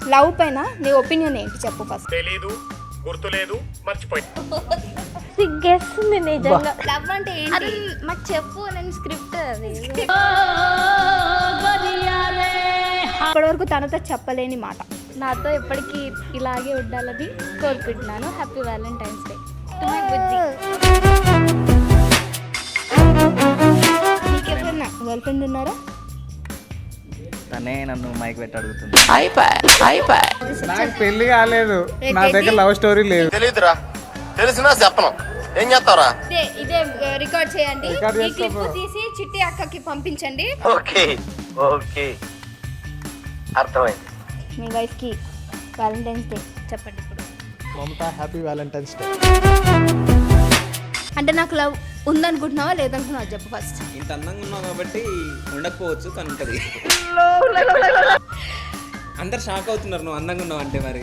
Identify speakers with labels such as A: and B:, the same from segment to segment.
A: Love పైన నీ opinion ఏంటి చెప్పు ఫస్ట్.
B: తెలీదు, గుర్తులేదు, మర్చిపోయి.
C: సిగ్గేస్తుంది నిజంగా.
A: లవ్ అంటే
C: అది మాకు చెప్పు, నేను స్క్రిప్ట్ అది.
A: ఇప్పటివరకు తనతో చెప్పలేని మాట.
C: నాతో ఎప్పటికీ ఇలాగే ఉండాలని కోరుకుంటున్నాను. Happy valentine's day to my బుజ్జి.
A: నీకెవరన్నా గర్ల్ ఫ్రెండ్ ఉన్నారా?
D: తనే నన్ను మైక్ పెట్టి అడుగుతుంది.
E: నాకు పెళ్లి కాలేదు, నా దగ్గర లవ్ స్టోరీ లేదు.
F: తెలీదురా, తెలిసినా చెప్పను. ఏం చేస్తావురా?
A: ఇదే రికార్డ్ చేయండి.
E: రికార్డ్
A: ఈ క్లిప్
E: చేసుకో.
A: తీసి చిట్టి అక్కకి పంపించండి.
F: ఓకే ఓకే, అర్థమైంది.
A: మీ వైఫ్ కి వ్యాలంటైన్స్ డే చెప్పండి ఇప్పుడు.
E: Mamata, happy valentine's day.
A: అంటే నాకు లవ్ ఉందనుకుంటున్నావా లేదనుకుంటున్నావా చెప్పు ఫస్ట్.
D: ఇంత అందంగా ఉన్నావు కాబట్టి ఉండకపోవచ్చు కానీ ఉంటుంది. అందరు షాక్ అవుతున్నారు నువ్వు అందంగా ఉన్నావు అంటే. మరి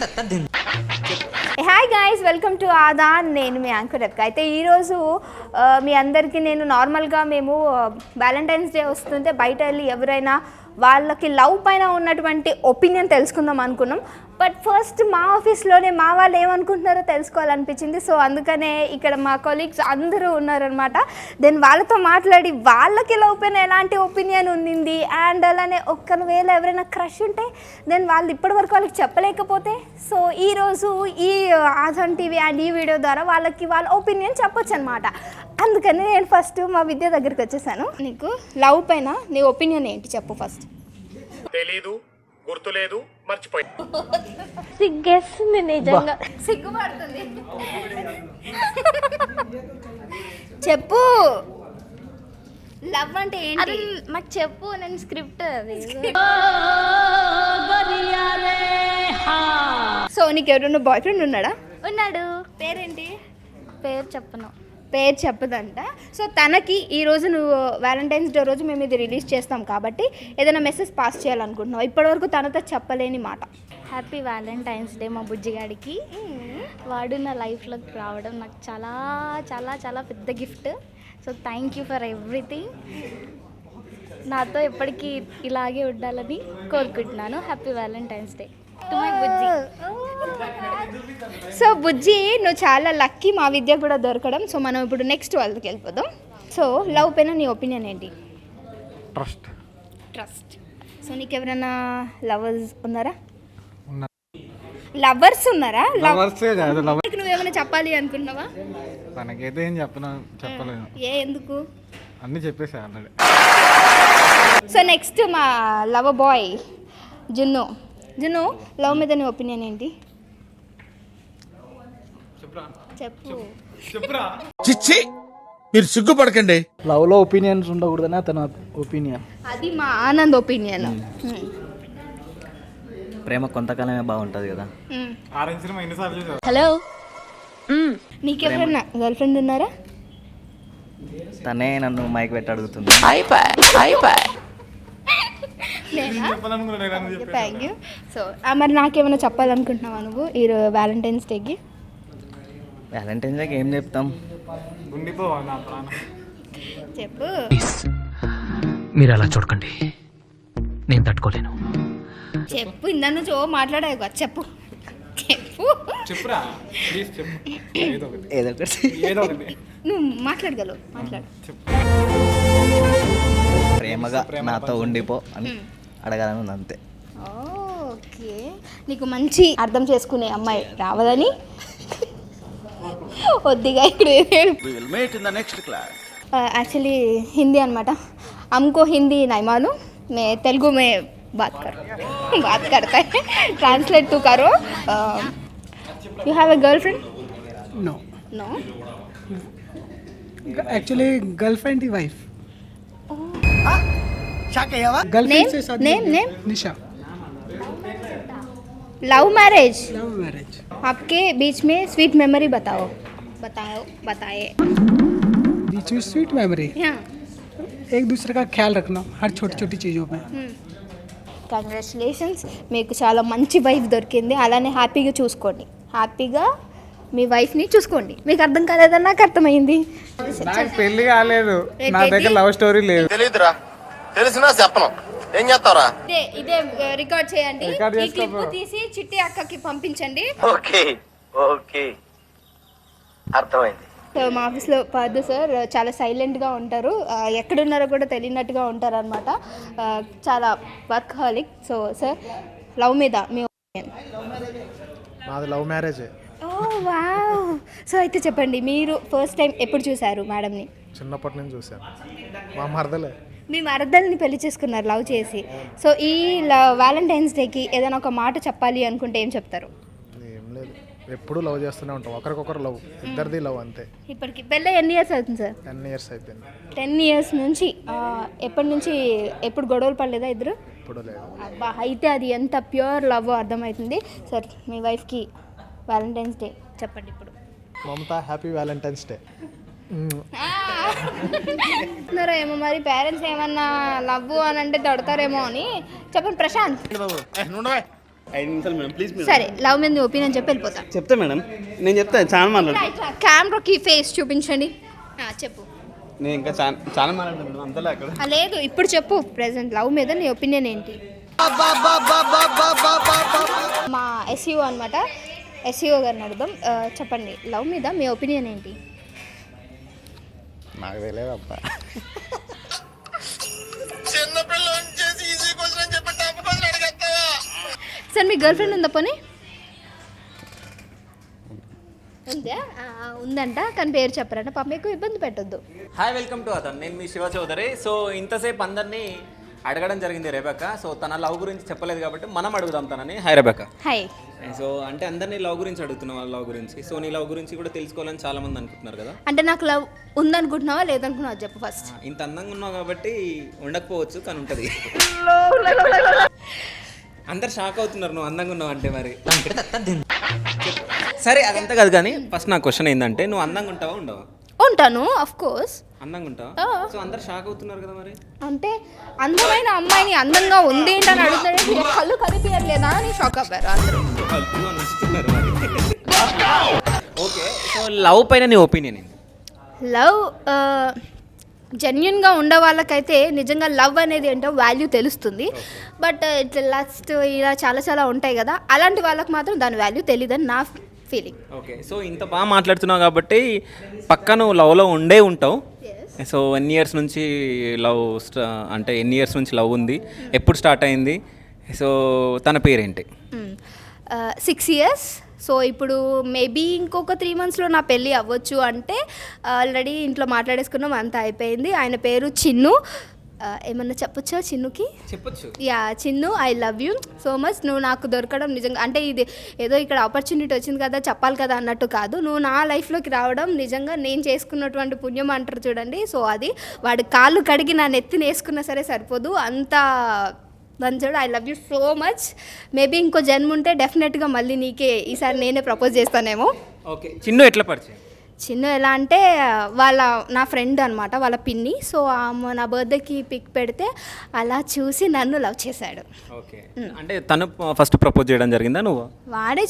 A: హాయ్ గైస్, వెల్కమ్ టు ఆదా. నేను మీ యాంకర్ అక్క. అయితే ఈరోజు మీ అందరికీ నేను నార్మల్గా మేము వ్యాలంటైన్స్ డే వస్తుంటే బయట వెళ్ళి ఎవరైనా వాళ్ళకి లవ్ పైన ఉన్నటువంటి ఒపీనియన్ తెలుసుకుందాం అనుకున్నాం. బట్ ఫస్ట్ మా ఆఫీస్లోనే మా వాళ్ళు ఏమనుకుంటున్నారో తెలుసుకోవాలనిపించింది. సో అందుకనే ఇక్కడ మా కొలీగ్స్ అందరూ ఉన్నారనమాట. దెన్ వాళ్ళతో మాట్లాడి వాళ్ళకి లవ్ పైన ఎలాంటి ఒపీనియన్ ఉంది, అండ్ అలానే ఒకవేళ ఎవరైనా క్రష్ ఉంటే దెన్ వాళ్ళు ఇప్పటివరకు వాళ్ళకి చెప్పలేకపోతే సో ఈరోజు ఈ ఆజాన్ టీవీ అండ్ ఈ వీడియో ద్వారా వాళ్ళకి వాళ్ళ ఒపీనియన్ చెప్పొచ్చు అనమాట. అందుకని నేను ఫస్ట్ మా విద్య దగ్గరికి వచ్చేసాను. నీకు లవ్ పైన నీ ఒపీనియన్ ఏంటి చెప్పు ఫస్ట్.
B: తెలీదు, గుర్తులేదు, మర్చిపోయి.
C: సిగ్గేస్తుంది నిజంగా.
A: సిగ్గుపడుతుంది. చెప్పు, లవ్ అంటే
C: అది
A: ఏంటి?
C: మాకు చెప్పు, నేను స్క్రిప్ట్ అది.
A: సో నీకు ఎవరైనా బాయ్ ఫ్రెండ్ ఉన్నాడా?
C: ఉన్నాడు.
A: పేరేంటి?
C: పేరు చెప్పను.
A: పేరు చెప్పదంట. సో తనకి ఈరోజు నువ్వు వ్యాలంటైన్స్ డే రోజు మేము ఇది రిలీజ్ చేస్తాం కాబట్టి ఏదైనా మెసేజ్ పాస్ చేయాలనుకుంటున్నావు. ఇప్పటివరకు తనతో చెప్పలేని మాట.
C: హ్యాపీ వ్యాలంటైన్స్ డే మా బుజ్జిగాడికి. వాడు నా లైఫ్లోకి రావడం నాకు చాలా చాలా చాలా పెద్ద gift. So thank you for everything. నాతో ఎప్పటికీ ఇలాగే ఉండాలని కోరుకుంటున్నాను. Happy valentine's day to my బుజ్జి.
A: సో బుజ్జి, నువ్వు చాలా లక్కీ మా విద్య కూడా దొరకడం. సో మనం ఇప్పుడు నెక్స్ట్ వాళ్ళకి వెళ్ళిపోదాం. సో లవ్ పైన నీ ఒపీనియన్ ఏంటి?
E: ట్రస్ట్.
A: ట్రస్ట్. సో నీకు ఎవరైనా లవర్స్ ఉన్నారా?
E: ఉన్నారు.
A: లవర్స్ ఉన్నారా?
E: లవర్సే కాదు, లవర్.
A: నువ్వేమైనా చెప్పాలి అనుకుంటున్నావా?
E: తనకైతే ఏం చెప్పలేను.
A: ఎందుకు?
E: అన్నీ చెప్పేసా ఆల్రెడీ.
A: సో నెక్స్ట్ మా love boy Junnu. Junnu, love మీద నీ ఒపీనియన్ ఏంటి చెప్పు.
F: చిచ్చి, మీరు సిగ్గుపడకండి.
G: లవ్ లో ఒపీనియన్స్ ఉండకూడదని అతని ఒపీనియన్.
A: అది మా ఆనంద్ ఒపీనియన్.
D: ప్రేమ కొంతకాలమే బాగుంటుంది కదా.
E: ఆరెంజ్ సినిమా ఎన్నిసార్లు చూసావు?
C: హలో.
A: నీకెవరన్నా గర్ల్ ఫ్రెండ్ ఉన్నారా?
D: తనే నన్ను మైక్ పెట్టి అడుగుతుంది.
A: Thank you. సో మరి నాకేమైనా చెప్పాలనుకుంటున్నావా నువ్వు ఈ వ్యాలంటైన్స్ డేకి?
D: వ్యాలంటైన్స్ డేకి ఏం చెప్తాం?
E: ఉండిపోవా నా ప్రాణం.
A: చెప్పు.
H: మీరు అలా చూడకండి, నేను తట్టుకోలేను.
A: చెప్పు, ఇందా నుంచి మాట్లాడావు కదా, చెప్పు చెప్పు.
E: చెప్పురా ప్లీజ్, చెప్పు. ఏదో ఒకటి,
D: ఏదో ఒకటి.
E: ఏదో ఒకటి.
A: నువ్వు మాట్లాడగలవు, మాట్లాడు.
D: ప్రేమగా నాతో ఉండిపో అని అడగాలని ఉంది అంతే.
A: ఓకే, నీకు మంచి అర్థం చేసుకునే అమ్మాయి రావదని వద్దిగా ఇక్కడ యాక్చువల్లీ హిందీ అనమాట. हमको हिंदी नहीं मालूम, मैं तेलुगु में बात करता है. ट्रांसलेट तो करो. You have a girlfriend?
I: No.
A: No?
I: Actually, girlfriend is wife.
A: Name? Name?
I: Nisha.
A: Love marriage?
I: Love marriage.
A: आपके बीच में स्वीट मेमोरी बताए.
I: बीच में स्वीट मेमोरी.
A: हाँ.
I: एक दूसरे का ख्याल रखना हर छोटी छोटी चीज़ों में.
A: కంగ్రాచులేషన్స్, మీకు చాలా మంచి వైఫ్ దొరికింది. అలానే హ్యాపీగా చూసుకోండి, హ్యాపీగా మీ వైఫ్ని చూసుకోండి. మీకు అర్థం కాలేదని నాకు అర్థమైంది.
E: నాకు పెళ్లి కాలేదు, నా దగ్గర లవ్ స్టోరీ లేదు.
F: తెలీదురా, తెలిసినా చెప్పను. ఏం చేస్తావురా?
A: ఇదే రికార్డ్ చేయండి.
E: రికార్డ్
A: ఈ
E: చేసుకో
A: క్లిప్ తీసి చిట్టి అక్కకి పంపించండి.
F: ఓకే ఓకే అర్థమైంది.
A: సో మా ఆఫీస్లో పద్దు సార్ చాలా సైలెంట్గా ఉంటారు, ఎక్కడున్నారో కూడా తెలియనట్టుగా ఉంటారు అనమాట. చాలా workaholic. So sir, love మీద మీ ఒపీనియన్?
E: మాది love marriage.
A: Oh wow. So అయితే చెప్పండి, మీరు ఫస్ట్ టైం ఎప్పుడు చూసారు మేడంని?
E: చిన్నప్పటి నుంచి చూసాను. మా మరదలే.
A: మీ మరదల్ని పెళ్లి చేసుకున్నారు లవ్ చేసి. సో ఈ వ్యాలంటైన్స్ డేకి ఏదైనా ఒక మాట చెప్పాలి అనుకుంటే ఏం చెప్తారు?
E: ఏం లేదు, ఎప్పుడు లవ్ చేస్తూనే ఉంటాం, ఒకరికొకరు లవ్, ఇద్దరిది లవ్ అంతే.
A: ఇప్పటికి పెళ్ళి ఎన్ని ఇయర్స్ అవుతుంది సార్?
E: 10 years అయిపోయింది.
A: 10 years నుంచి. ఎప్పటి నుంచి ఎప్పుడు గొడవలు పడలేదా ఇద్దరు?
E: ఇప్పుడు లేదు.
A: అబ్బా, అయితే అది ఎంత ప్యూర్ లవ్ అర్థమవుతుంది. సార్, మీ వైఫ్కి వ్యాలంటైన్స్ డే చెప్పండి ఇప్పుడు.
E: Mamata, happy valentine's day.
A: ఏమో మరి పేరెంట్స్ ఏమన్నా లవ్ అని అంటే తడతారేమో అని చెప్పండి. ప్రశాంత్,
J: 5 నిమిషాలు మేడం, ప్లీజ్ మేడం.
A: సరే, లవ్ మీద ఒపీనియన్ చెప్పి వెళ్ళిపోతా.
J: చెప్తా మేడం, నేను చెప్తాను. చాలా మాట్లాడు.
A: కెమెరాకి ఫేస్ చూపించండి. చెప్పు.
J: నేను ఇంకా చాలా మాట్లాడతాను మేడం, అంతలే అక్కడ.
A: లేదు, ఇప్పుడు చెప్పు. ప్రెసెంట్ లవ్ మీద నీ ఒపీనియన్ ఏంటి? మా ఎస్ఈఓ అనమాట, ఎస్ఈఓ గారిని అడుగుదాం. చెప్పండి, లవ్ మీద మీ ఒపీనియన్ ఏంటి?
E: నాకు తెలియదు అబ్బా.
A: సార్, మీ గర్ల్ ఫ్రెండ్ ఉందా పోనీ? ఉందా? ఉందంట, కానీ పేరు చెప్పరంట. పాప మీకు ఇబ్బంది పెట్టొద్దు.
K: హాయ్, వెల్కమ్ టు అతను. నేను మీ శివ చౌదరి. సో ఇంతసేపు అందరినీ అడగడం జరిగింది రెబెక్క. సో తన లవ్ గురించి చెప్పలేదు కాబట్టి మనం అడుగుదాం తనని. హాయ్ రెబెక్క.
A: హాయ్.
K: సో అంటే అందరినీ లవ్ గురించి అడుగుతున్నాం, వాళ్ళ లవ్ గురించి. సో నీ లవ్ గురించి కూడా తెలుసుకోవాలని చాలా మంది అనుకుంటున్నారు కదా.
A: అంటే నాకు లవ్ ఉందనుకుంటున్నావా లేదనుకున్నావా చెప్పు ఫస్ట్.
K: ఇంత అందంగా ఉన్నావు కాబట్టి ఉండకపోవచ్చు, కానీ ఉంటుంది. అందరు షాక్ అవుతున్నారు నువ్వు అందంగా ఉన్నావు అంటే. మరి సరే, అదంతా కాదు, కానీ ఫస్ట్ నా క్వశ్చన్ ఏంటంటే, నువ్వు అందంగా ఉంటావా ఉండవా?
A: ఉంటాను, ఆఫ్ కోర్స్.
K: అందంగా ఉంటావా? సో అందరు షాక్ అవుతున్నారు కదా మరి.
A: అంటే అందమైన అమ్మాయిని అందంగా ఉంది ఏంటని అడుగుతాడు, కళ్ళు కనిపించట్లేదా అని షాక్ అవ్వారు అందరూ.
K: ఓకే, సో లవ్ పైన నీ ఒపీనియన్ ఏంటి?
A: లవ్ జెన్యున్గా ఉండే వాళ్ళకైతే నిజంగా లవ్ అనేది ఏంటో వాల్యూ తెలుస్తుంది. బట్ ఇట్లా లస్ట్ ఇలా చాలా ఉంటాయి కదా, అలాంటి వాళ్ళకి మాత్రం దాని వాల్యూ తెలియదని నా ఫీలింగ్.
K: ఓకే, సో ఇంత బాగా మాట్లాడుతున్నావు కాబట్టి పక్క నువ్వు లవ్లో ఉండే ఉంటావు. సో ఎన్ని ఇయర్స్ నుంచి లవ్ అంటే ఎన్ని ఇయర్స్ నుంచి లవ్ ఉంది, ఎప్పుడు స్టార్ట్ అయింది? సో తన పేరేంటి?
A: 6 years. సో ఇప్పుడు మేబీ ఇంకొక 3 monthsలో నా పెళ్ళి అవ్వచ్చు. అంటే ఆల్రెడీ ఇంట్లో మాట్లాడేసుకున్నాం, అంతా అయిపోయింది. ఆయన పేరు చిన్ను. ఏమన్నా చెప్పొచ్చా చిన్నుకి?
K: చెప్పొచ్చు.
A: Yeah, Chinnu, I love you so much. నువ్వు నాకు దొరకడం నిజంగా, అంటే ఇది ఏదో ఇక్కడ ఆపర్చునిటీ వచ్చింది కదా చెప్పాలి కదా అన్నట్టు కాదు. నువ్వు నా లైఫ్లోకి రావడం నిజంగా నేను చేసుకున్నటువంటి పుణ్యం అంటారు చూడండి. సో అది వాడి కాళ్ళు కడిగి నా నెత్తిని వేసుకున్నా సరే సరిపోదు, అంత మంచోడు. I love you so much. Maybe ఇంకో జన్మ ఉంటే డెఫినెట్గా మళ్ళీ నీకే ఈసారి నేనే ప్రపోజ్ చేస్తానేమో.
K: ఓకే, చిన్ను ఎట్లా పరిచయం?
A: చిన్ను ఎలా అంటే నా ఫ్రెండ్ అనమాట, వాళ్ళ పిన్ని. సో నా బర్త్డేకి పిక్ పెడితే అలా చూసి నన్ను లవ్ చేశాడు.
K: ఓకే, అంటే తను ఫస్ట్ ప్రపోజ్ చేయడం జరిగిందా నువ్వు?
A: వాడే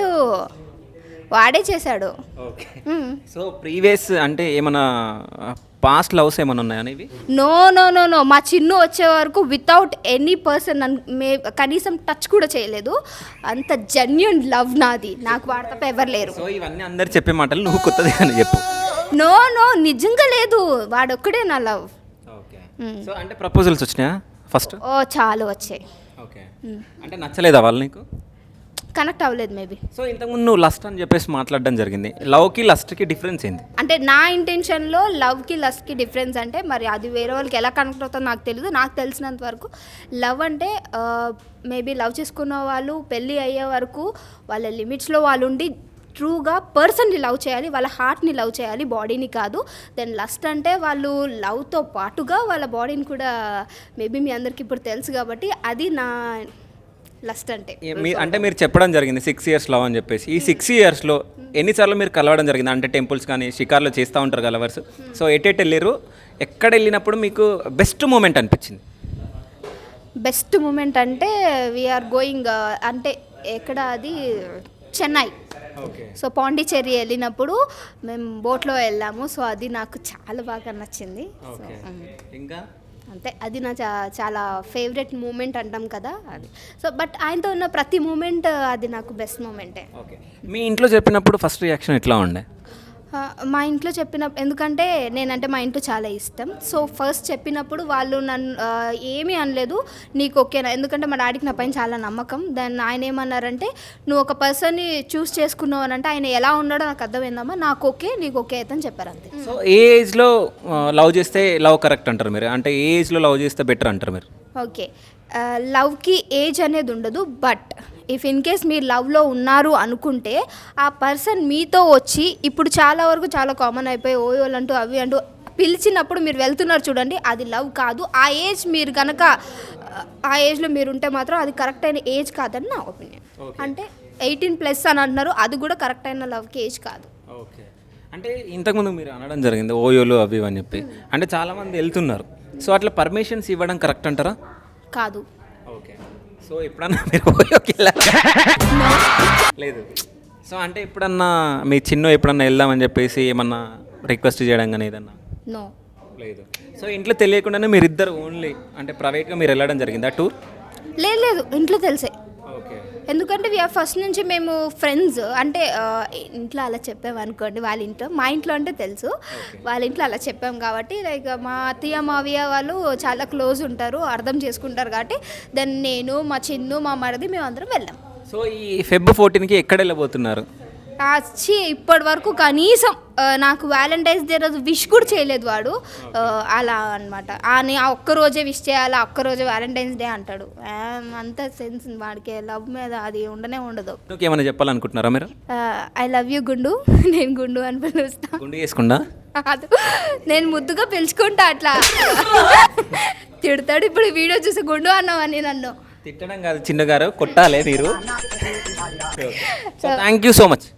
A: చేశాడు.
K: ఓకే, సో ప్రీవియస్ అంటే ఏమన్నా పాస్ట్ లవ్స్ ఏమైనా ఉన్నాయా ఇవి?
A: నో. మా చిన్ను వచ్చే వరకు వితౌట్ ఎనీ పర్సన్ కనీసం టచ్ కూడా చేయలేదు. అంత జెన్యూన్ లవ్ నాది, నాకు వాడు తప్ప ఎవరు లేరు.
K: సో ఇవన్నీ అందరు చెప్పే మాటలు, నువ్వు కొత్తది అని చెప్పు.
A: నో నిజంగా లేదు, వాడొక్కడే నా లవ్.
K: ఓకే, సో అంటే ప్రపోజల్స్ వచ్చినాయా ఫస్ట్?
A: ఓ చాలా వచ్చాయి.
K: ఓకే, అంటే నచ్చలేదా వాళ్ళు నీకు?
A: కనెక్ట్ అవ్వలేదు మేబీ.
K: సో ఇంతకుముందు నువ్వు లస్ట్ అని చెప్పేసి మాట్లాడడం జరిగింది. లవ్కి లస్ట్కి డిఫరెన్స్ ఏంది?
A: అంటే నా ఇంటెన్షన్లో లవ్కి లస్ట్కి డిఫరెన్స్ అంటే మరి అది వేరే వాళ్ళకి ఎలా కనెక్ట్ అవుతుందో నాకు తెలియదు. నాకు తెలిసినంత వరకు లవ్ అంటే మేబీ లవ్ చేసుకున్న వాళ్ళు పెళ్ళి అయ్యే వరకు వాళ్ళ లిమిట్స్లో వాళ్ళు ఉండి ట్రూగా పర్సన్ని లవ్ చేయాలి, వాళ్ళ హార్ట్ని లవ్ చేయాలి, బాడీని కాదు. దెన్ లస్ట్ అంటే వాళ్ళు లవ్తో పాటుగా వాళ్ళ బాడీని కూడా, మేబీ మీ అందరికి ఇప్పుడు తెలుసు కాబట్టి అది నా లస్ట్ అంటే.
K: అంటే మీరు చెప్పడం జరిగింది 6 years లవ్ అని చెప్పేసి. ఈ 6 yearsలో ఎన్నిసార్లు మీరు కలవడం జరిగింది? అంటే టెంపుల్స్ కానీ షికార్లో చేస్తూ ఉంటారు కలవర్స్. సో ఎటు వెళ్ళారు, ఎక్కడ వెళ్ళినప్పుడు మీకు బెస్ట్ మూమెంట్ అనిపించింది?
A: బెస్ట్ మూమెంట్ అంటే వీఆర్ గోయింగ్, అంటే ఎక్కడ అది, చెన్నై. సో పాండిచ్చేరి వెళ్ళినప్పుడు మేము బోట్లో వెళ్ళాము. సో అది నాకు చాలా బాగా నచ్చింది.
K: ఇంకా
A: అంతే, అది నా చాలా ఫేవరెట్ మూమెంట్ అంటాం కదా అది. సో బట్ ఆయనతో ఉన్న ప్రతి మూమెంట్ అది నాకు బెస్ట్ మూమెంటే.
K: ఓకే, మీ ఇంట్లో చెప్పినప్పుడు ఫస్ట్ రియాక్షన్ ఎట్లా ఉండే?
A: మా ఇంట్లో ఎందుకంటే నేనంటే మా ఇంట్లో చాలా ఇష్టం. సో ఫస్ట్ చెప్పినప్పుడు వాళ్ళు నన్ను ఏమీ అనలేదు, నీకు ఓకేనా, ఎందుకంటే మా డాడీకి నా పైన చాలా నమ్మకం. దాన్ని ఆయన ఏమన్నారంటే, నువ్వు ఒక పర్సన్ని చూస్ చేసుకున్నావు అని అంటే ఆయన ఎలా ఉన్నాడో నాకు అర్థమైందమ్మా, నాకు ఓకే, నీకు ఓకే అయితే అని చెప్పారు అంతే.
K: సో ఏ ఏజ్లో లవ్ చేస్తే లవ్ కరెక్ట్ అంటారు మీరు? అంటే ఏ ఏజ్లో లవ్ చేస్తే బెటర్ అంటారు మీరు?
A: ఓకే, లవ్కి ఏజ్ అనేది ఉండదు. బట్ ఇఫ్ ఇన్ కేస్ మీరు లవ్లో ఉన్నారు అనుకుంటే ఆ పర్సన్ మీతో వచ్చి, ఇప్పుడు చాలా వరకు చాలా కామన్ అయిపోయి ఓయోలు అంటూ అవి అంటూ పిలిచినప్పుడు మీరు వెళ్తున్నారు చూడండి, అది లవ్ కాదు. ఆ ఏజ్ మీరు కనుక ఆ ఏజ్లో మీరు ఉంటే మాత్రం అది కరెక్ట్ అయిన ఏజ్ కాదని నా ఒపీనియన్. అంటే 18+ అని అంటున్నారు, అది కూడా కరెక్ట్ అయిన లవ్కి ఏజ్ కాదు.
K: ఓకే, అంటే ఇంతకుముందు మీరు అనడం జరిగింది ఓయోలు అవి అని చెప్పి, అంటే చాలామంది వెళ్తున్నారు. సో అట్లా పర్మిషన్స్ ఇవ్వడం కరెక్ట్ అంటారా?
A: కాదు.
K: ఓకే, సో ఎప్పుడన్నా మీరు ఓయోకి వెళ్ళారా? లేదు. సో అంటే ఎప్పుడన్నా మీ చిన్న ఎప్పుడన్నా వెళ్దామని చెప్పేసి ఏమన్నా రిక్వెస్ట్ చేయడం కానీ ఏదన్నా?
A: నో.
K: లేదు. సో ఇంట్లో తెలియకుండానే మీరిద్దరు ఓన్లీ అంటే ప్రైవేట్గా మీరు వెళ్ళడం జరిగిందా టూర్?
A: లేదు, ఇంట్లో తెలిసే.
K: ఓకే,
A: ఎందుకంటే ఫస్ట్ నుంచి మేము ఫ్రెండ్స్, అంటే ఇంట్లో అలా చెప్పాము అనుకోండి, వాళ్ళ ఇంట్లో, మా ఇంట్లో అంటే తెలుసు, వాళ్ళ ఇంట్లో అలా చెప్పాము కాబట్టి లైక్ మా అత్తయ్య మావయ్య వాళ్ళు చాలా క్లోజ్ ఉంటారు, అర్థం చేసుకుంటారు కాబట్టి దాన్ని నేను, మా చిన్ను, మా మరిది మేమందరం వెళ్ళాం.
K: సో ఈ Feb 14కి ఎక్కడ వెళ్ళబోతున్నారు?
A: వచ్చి ఇప్పటి వరకు కనీసం నాకు వ్యాలంటైన్స్ డే రోజు విష్ కూడా చేయలేదు వాడు. అలా అనమాట, ఆ ఒక్కరోజే విష్ చేయాలి, ఒక్కరోజే వ్యాలంటైన్స్ డే అంటాడు. అంత సెన్స్ వాడికి లవ్ మీద అది ఉండనే ఉండదు.
K: ఏమైనా చెప్పాలనుకుంటున్నారా మీరు?
A: ఐ లవ్ యూ గుండు, నేను గుండు అని పిలుస్తా.
K: గుండు చేసుకుండా
A: అది నేను ముద్దుగా పిలుచుకుంటా, అట్లా తిడతాడు. ఇప్పుడు వీడియో చూసి గుండు అన్నావని నన్ను.
K: తిట్టడం కాదు చిన్నగారు, కొట్టాలి మీరు. So thank you so much.